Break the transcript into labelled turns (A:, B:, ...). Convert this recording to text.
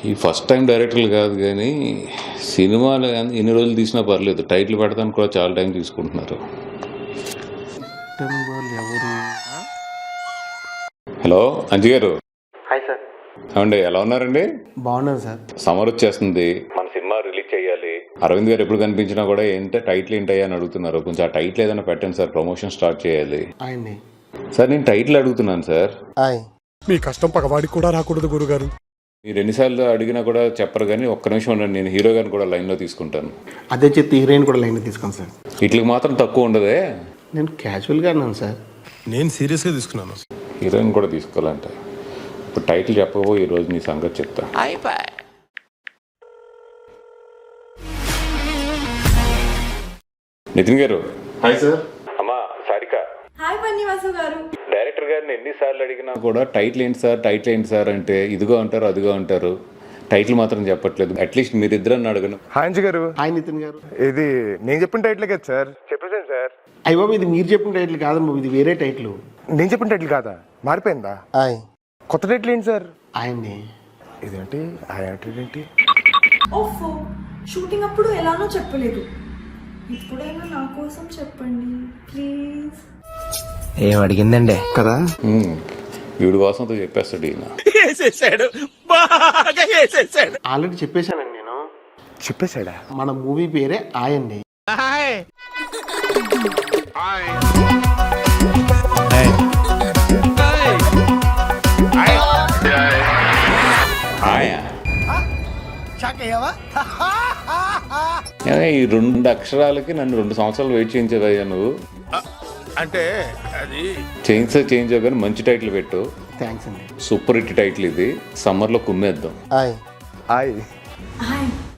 A: ఈ first time డైరెక్టర్లు కాదు కానీ సినిమాలు ఎన్ని రోజులు తీసినా పర్లేదు, టైటిల్ పెడతానికి కూడా చాలా టైం తీసుకుంటున్నారు. Hello Anji garu.
B: Hi sir.
A: ఏమండి ఎలా ఉన్నారండి?
B: బాగున్నాను సార్.
A: సమ్మర్ వచ్చేస్తుంది, మన సినిమా రిలీజ్ చేయాలి. అరవింద్ గారు ఎప్పుడు కనిపించినా కూడా టైటిల్ ఏంటయ్యా అని అడుగుతున్నారు. కొంచెం ఆ టైటిల్ ఏదైనా పెట్టండి సార్, ప్రమోషన్ స్టార్ట్ చేయాలి.
B: ఆయన్ని
A: సార్ నేను టైటిల్ అడుగుతున్నాను సార్.
C: మీ కష్టం పగవాడికి కూడా రాకూడదు గురుగారు.
A: మీరు ఎన్నిసార్లు అడిగినా కూడా చెప్పరు, కానీ ఒక్క నిమిషం ఉండండి, నేను హీరో గారిని కూడా లైన్లో తీసుకుంటాను.
B: అదే చెప్తే హీరోయిన్ కూడా లైన్ తీసుకోండి సార్.
A: వీటికి మాత్రం తక్కువ ఉండదే.
B: నేను క్యాజువల్గా అన్నాను సార్.
C: నేను సీరియస్గా తీసుకున్నాను.
A: హీరోయిన్ కూడా తీసుకోవాలంట. ఇప్పుడు టైటిల్ చెప్పబో ఈ రోజు నీ సంగతి చెప్తా. నితిన్ గారు.
B: Hi sir.
A: అమ్మా సారిక.
D: హాయ్ పన్నివాసు గారు.
A: డైరెక్టర్ గారిని ఎన్నిసార్లు అడిగినా కూడా టైటిల్ ఏంటి సార్ అంటే ఇదిగో అంటారు అదిగో అంటారు, టైటిల్ మాత్రం చెప్పట్లేదు. అట్లీస్ట్ మీరిద్దరని అడగను.
C: హాయ్ అంజి గారు.
B: హాయ్ నితిన్ గారు.
C: ఇది నేను చెప్పిన టైటిల్ కదా సార్? చెప్పేసాను సార్.
B: అయ్య బాబు, ఇది మీరు చెప్పిన టైటిల్ కాదమ్మా, ఇది వేరే టైటిల్.
C: నేను చెప్పిన టైటిల్ కాదా? మారిపోయిందా? కొత్త టైటిల్ ఏంటి సార్?
B: ఆయన్ని.
C: ఇదేంటి ఏంటి?
D: ఓఫో, షూటింగ్ అప్పుడు ఎలానో చెప్పలేదు, ఇప్పుడైనా నా కోసం చెప్పండి ప్లీజ్.
E: ఏం అడిగిందండి
B: కదా.
A: వీడి వాసనతో చెప్పేస్తాడు ఈయన.
B: ఆల్రెడీ చెప్పేశానండి నేను.
C: చెప్పేశాడా?
B: మన మూవీ పేరే ఆయన్ని.
A: ఈ 2 అక్షరాలకి నన్ను 2 సంవత్సరాలు వెయిట్ చేయించదయ్యా నువ్వు.
C: అంటే అది
A: చేయించావు కానీ మంచి టైటిల్ పెట్టు.
B: థ్యాంక్స్ అండి.
A: సూపర్ హిట్ టైటిల్ ఇది, సమ్మర్లో కుమ్మేద్దాం.
C: హాయ్.
D: హాయ్.